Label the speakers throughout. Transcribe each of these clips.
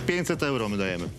Speaker 1: 500 euro my dajemy.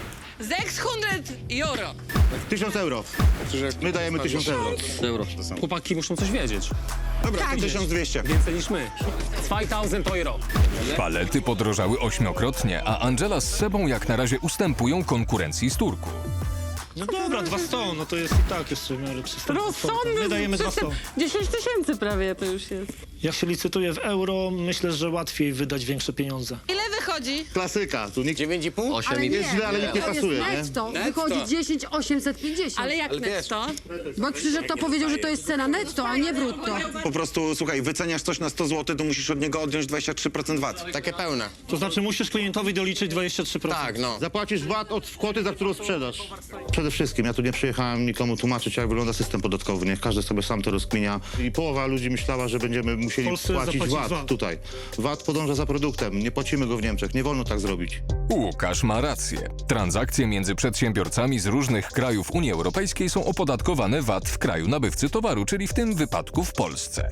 Speaker 2: 600 euro.
Speaker 1: 1000 euro. My dajemy 1000 euro.
Speaker 3: Chłopaki muszą coś wiedzieć.
Speaker 4: Dobra, to 1200.
Speaker 3: Więcej niż my. 2000 euro.
Speaker 5: Palety podrożały 8-krotnie, a Angela z Sebą jak na razie ustępują konkurencji z Turku.
Speaker 6: No dobra, 200, no to jest i tak jeszcze w miarę przystępne. My dajemy 200.
Speaker 2: 10 000 prawie to już jest.
Speaker 6: Jak się licytuje w euro, myślę, że łatwiej wydać większe pieniądze.
Speaker 2: Ile wychodzi?
Speaker 1: Klasyka. Tu nikt
Speaker 4: 9,5?
Speaker 7: Ale
Speaker 1: jest źle, ale nikt nie
Speaker 7: to
Speaker 1: pasuje,
Speaker 7: jest
Speaker 1: nie?
Speaker 7: netto. Wychodzi 10 850.
Speaker 2: Ale jak netto?
Speaker 7: Bo przyszedł to powiedział, że to jest cena netto, a nie brutto.
Speaker 4: Po prostu, słuchaj, wyceniasz coś na 100 zł, to musisz od niego odjąć 23% VAT. Takie pełne.
Speaker 6: To znaczy musisz klientowi doliczyć 23%.
Speaker 4: Tak, no.
Speaker 1: Zapłacisz VAT od kwoty, za którą sprzedasz. Przede wszystkim, ja tu nie przyjechałem nikomu tłumaczyć, jak wygląda system podatkowy. Niech każdy sobie sam to rozkminia. I połowa ludzi myślała, że będziemy musieli
Speaker 6: Polsce
Speaker 1: płacić
Speaker 6: zapłacić
Speaker 1: VAT
Speaker 6: VAT.
Speaker 1: tutaj. VAT podąża za produktem, nie płacimy go w Niemczech, nie wolno tak zrobić.
Speaker 5: Łukasz ma rację. Transakcje między przedsiębiorcami z różnych krajów Unii Europejskiej są opodatkowane VAT w kraju nabywcy towaru, czyli w tym wypadku w Polsce.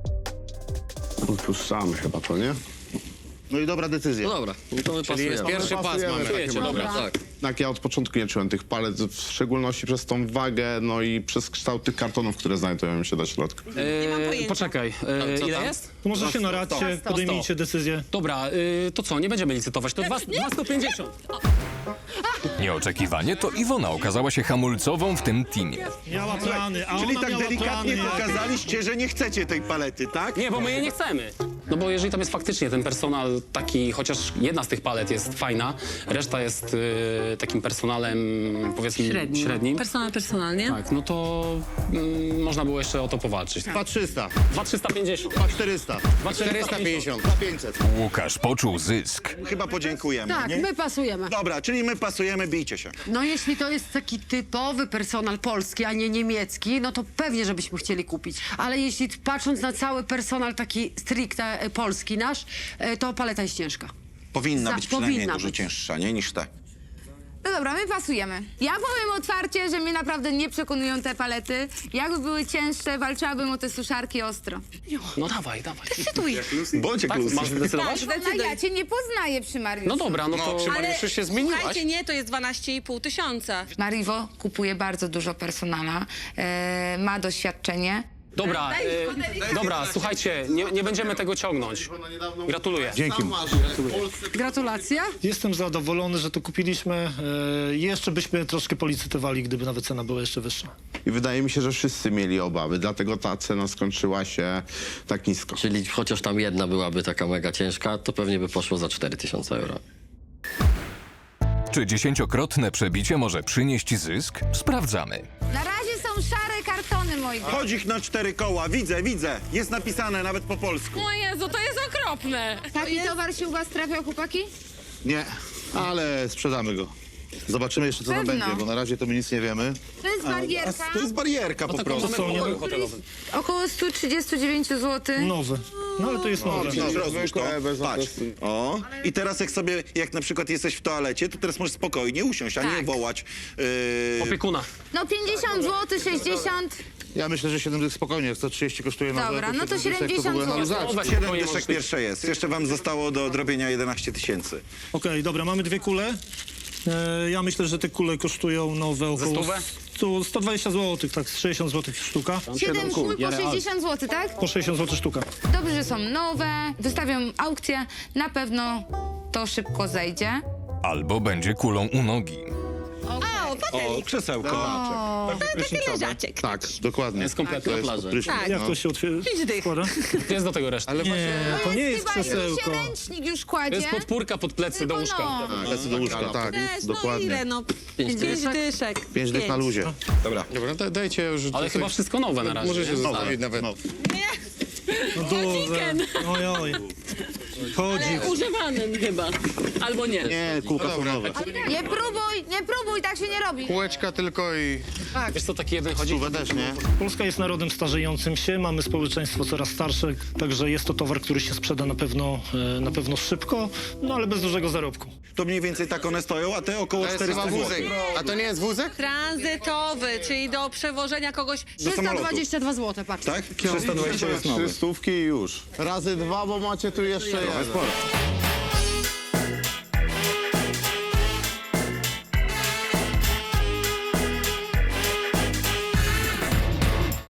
Speaker 8: Odpuszczamy chyba to, nie?
Speaker 1: No i dobra decyzja.
Speaker 9: Dobra, no to my pasujemy.
Speaker 4: Pierwszy pas mamy.
Speaker 3: Czujecie, dobra.
Speaker 9: Tak.
Speaker 8: Tak, ja od początku nie czułem tych palet, w szczególności przez tą wagę, no i przez kształt tych kartonów, które znajdują się na środku.
Speaker 3: Poczekaj,
Speaker 9: co
Speaker 3: ile
Speaker 9: tam?
Speaker 3: jest?
Speaker 6: To może się naradźcie, podejmijcie decyzję.
Speaker 3: Dobra, to co, nie będziemy licytować, to 250.
Speaker 5: Nieoczekiwanie to Iwona okazała się hamulcową w tym teamie.
Speaker 6: Miała plany, a
Speaker 4: Czyli
Speaker 6: ona
Speaker 4: tak
Speaker 6: miała
Speaker 4: delikatnie
Speaker 6: plany.
Speaker 4: pokazaliście, że nie chcecie tej palety, tak?
Speaker 3: Nie, bo my jej nie chcemy. No bo jeżeli tam jest faktycznie ten personal taki, chociaż jedna z tych palet jest fajna, reszta jest takim personalem, powiedzmy, średnim.
Speaker 2: Personalnie?
Speaker 3: Tak, no to można było jeszcze o to powalczyć.
Speaker 1: 2300,
Speaker 3: 2350.
Speaker 1: 2400,
Speaker 4: 450.
Speaker 1: 500.
Speaker 5: Łukasz poczuł zysk.
Speaker 4: Chyba podziękujemy,
Speaker 7: Tak,
Speaker 4: nie?
Speaker 7: my pasujemy.
Speaker 4: Dobra, czyli my pasujemy, bijcie się.
Speaker 7: No jeśli to jest taki typowy personal polski, a nie niemiecki, no to pewnie, żebyśmy chcieli kupić. Ale jeśli patrząc na cały personal taki stricte polski nasz, to paleta jest ciężka.
Speaker 4: Powinna być przynajmniej
Speaker 7: powinna
Speaker 4: dużo
Speaker 7: być.
Speaker 4: cięższa, nie? Niż te.
Speaker 10: No dobra, my pasujemy. Ja powiem otwarcie, że mnie naprawdę nie przekonują te palety. Jakby były cięższe, walczyłabym o te suszarki ostro.
Speaker 3: No dawaj.
Speaker 10: Decyduj.
Speaker 4: Bądź
Speaker 3: Tak, masz zdecydować?
Speaker 10: No ja cię nie poznaję przy Mariuszu.
Speaker 3: No dobra, no
Speaker 4: No,
Speaker 3: to...
Speaker 4: przy Mariuszu się zmieniłaś.
Speaker 2: Słuchajcie, nie, to jest 12,5 tysiąca.
Speaker 10: Mariwo kupuje bardzo dużo personala, ma doświadczenie.
Speaker 3: Dobra, dobra, słuchajcie, nie będziemy tego ciągnąć. Gratuluję.
Speaker 1: Dzięki.
Speaker 7: Gratulacja.
Speaker 6: Jestem zadowolony, że to kupiliśmy. Jeszcze byśmy troszkę policytowali, gdyby nawet cena była jeszcze wyższa.
Speaker 8: I wydaje mi się, że wszyscy mieli obawy, dlatego ta cena skończyła się tak nisko.
Speaker 9: Czyli chociaż tam jedna byłaby taka mega ciężka, to pewnie by poszło za 4000 euro.
Speaker 5: Czy 10-krotne przebicie może przynieść zysk? Sprawdzamy.
Speaker 10: Na razie są szare kartony, moi drodzy.
Speaker 4: Chodź ich na 4 koła, widzę. Jest napisane nawet po polsku.
Speaker 2: O Jezu, to jest okropne.
Speaker 10: Taki towar się u was trafiał, chłopaki?
Speaker 1: Nie, ale sprzedamy go. Zobaczymy jeszcze, co tam
Speaker 10: Pewno.
Speaker 1: będzie, bo na razie to my nic nie wiemy.
Speaker 10: To jest barierka.
Speaker 4: To jest barierka po prostu.
Speaker 3: Mamy pokój hotelowy.
Speaker 10: Około 139 zł.
Speaker 6: Nowe. No ale to jest nowe.
Speaker 4: Rozłóż to. Patrz. O. I teraz jak na przykład jesteś w toalecie, to teraz możesz spokojnie usiąść, a nie
Speaker 10: Tak.
Speaker 4: wołać.
Speaker 3: Opiekuna.
Speaker 10: No 50 zł, 60.
Speaker 1: Ja myślę, że 7 dych spokojnie, jak 130 kosztuje nowe.
Speaker 10: Dobra, no to
Speaker 1: 7 dyszek
Speaker 10: 70
Speaker 1: w ogóle
Speaker 10: zł.
Speaker 1: nam
Speaker 3: No, weź
Speaker 4: 7
Speaker 3: spokojnie,
Speaker 4: dyszek
Speaker 3: możesz-
Speaker 4: pierwsze jest. Jeszcze wam zostało do odrobienia 11 tysięcy.
Speaker 6: Okej, dobra, mamy dwie kule. Ja myślę, że te kule kosztują nowe około
Speaker 3: stówę?
Speaker 6: 120 zł, tak, z 60 zł sztuka.
Speaker 10: 7 kul po 60 zł, tak?
Speaker 6: Po 60 zł sztuka.
Speaker 10: Dobrze, że są nowe. Wystawiam aukcję. Na pewno to szybko zejdzie.
Speaker 5: Albo będzie kulą u nogi.
Speaker 2: O,
Speaker 4: O, krzesełko.
Speaker 2: taki leżaczek.
Speaker 1: Tak, dokładnie.
Speaker 3: Jest kompletna
Speaker 1: To jest
Speaker 9: plaża.
Speaker 1: prysznic,
Speaker 2: Tak.
Speaker 6: Jak to się otwiera?
Speaker 2: 5 dych.
Speaker 6: Składa?
Speaker 3: Jest do tego reszta.
Speaker 6: Nie, to nie jest
Speaker 10: Chyba już
Speaker 6: krzesełko.
Speaker 10: się ręcznik już
Speaker 3: To
Speaker 10: kładzie.
Speaker 3: jest podpórka pod plecy do łóżka.
Speaker 10: No.
Speaker 1: Lecę do łóżka, tak,
Speaker 2: Też, no
Speaker 1: dokładnie.
Speaker 2: ile, no? 5 dyszek.
Speaker 1: 5 dych na luzie.
Speaker 4: Dobra.
Speaker 8: Dobra, dajcie już...
Speaker 3: Ale chyba wszystko nowe na razie.
Speaker 8: Możecie
Speaker 3: nie?
Speaker 8: zostawić
Speaker 4: Nawet.
Speaker 1: No.
Speaker 6: No duże. Oj. Chodzi.
Speaker 2: Ale używanym chyba. Albo nie.
Speaker 1: Nie, kółka są nowe.
Speaker 10: Nie próbuj, tak się nie robi.
Speaker 8: Kółeczka tylko i...
Speaker 3: Wiesz co, taki jeden chodzi?
Speaker 1: Stówę też, nie?
Speaker 6: Polska jest narodem starzejącym się, mamy społeczeństwo coraz starsze, także jest to towar, który się sprzeda na pewno szybko, no ale bez dużego zarobku.
Speaker 4: To mniej więcej tak one stoją, a te około 400 zł.
Speaker 8: A to nie jest wózek?
Speaker 2: Tranzytowy, czyli do przewożenia kogoś.
Speaker 7: 322 zł, patrz.
Speaker 4: Tak? 320 jest nowy.
Speaker 8: 300 i już. Razy 2, bo macie tu jeszcze jeden.
Speaker 4: Sporo.